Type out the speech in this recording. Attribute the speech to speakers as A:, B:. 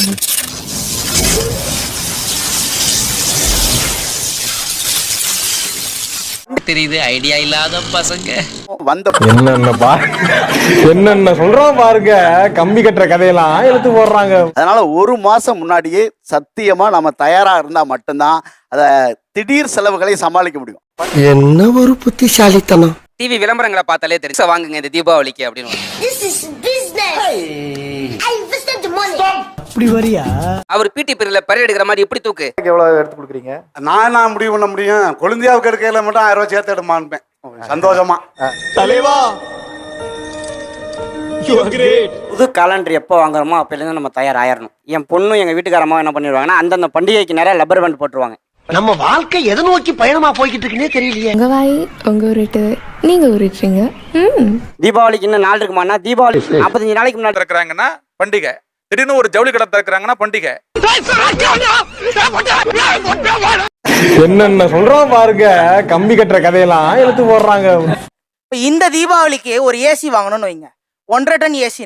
A: தெரியுது ஐடியா இல்லாத பசங்க
B: வந்த
C: என்னென்ன சொல்றோம் பாருங்க, கம்பி கட்டுற கதையெல்லாம் எடுத்து போடுறாங்க.
B: அதனால ஒரு மாசம் முன்னாடியே சத்தியமா நம்ம தயாரா இருந்தா மட்டும்தான் அத திடீர் செலவுகளை சமாளிக்க முடியும்.
D: என்ன ஒரு புத்திசாலித்தனம்.
A: டிவி விளம்பரங்களை பார்த்தாலே தெரியும் வாங்குங்க இந்த தீபாவளிக்கு அப்படின்னு.
D: அப்படி வரியா?
A: அவர் பிடி பீரியட்ல பரே எடுக்கிற மாதிரி எப்படி தூக்கு
C: எவ்வளவு எடுத்து கொடுக்குறீங்க?
E: நான் முடிவு பண்ண முடியும். கொழுந்தியாவுக்கு எடுக்கையில மட்டும் 1000 ரூபாய் சேர்த்து எடுமான்பேன் சந்தோஷமா.
C: தலைவா
F: புது காலண்டர் எப்போ வாங்குறோமோ அப்போலேருந்து நம்ம தயாராகிடணும். என் பொண்ணும் எங்கள் வீட்டுக்காரமாக என்ன பண்ணிடுவாங்கன்னா அந்தந்த பண்டிகைக்கு நேரம் லப்பர் பேண்ட் போட்டுருவாங்க.
D: நம்ம வாழ்க்கை எதை நோக்கி பயணமா போய்கிட்டு இருக்குன்னே தெரியலையே.
G: உங்க வாய் உங்க ஊருட்டு நீங்க ஊருட்டுறீங்க.
F: தீபாவளிக்கு இன்னும் நாள் இருக்குமாண்ணா? தீபாவளி 45 நாளைக்கு முன்னாடி
H: திறக்கிறாங்கன்னா பண்டிகை, திடீர்னு ஒரு ஜவுளி கடை திறக்கிறாங்கன்னா பண்டிகை.
C: என்னென்ன சொல்றோம் பாருங்க, கம்பி கட்டுற கதையெல்லாம் எடுத்து போடுறாங்க.
I: இந்த தீபாவளிக்கு ஒரு ஏசி வாங்கணும்னு வைங்க, 1.5 டன் ஏசி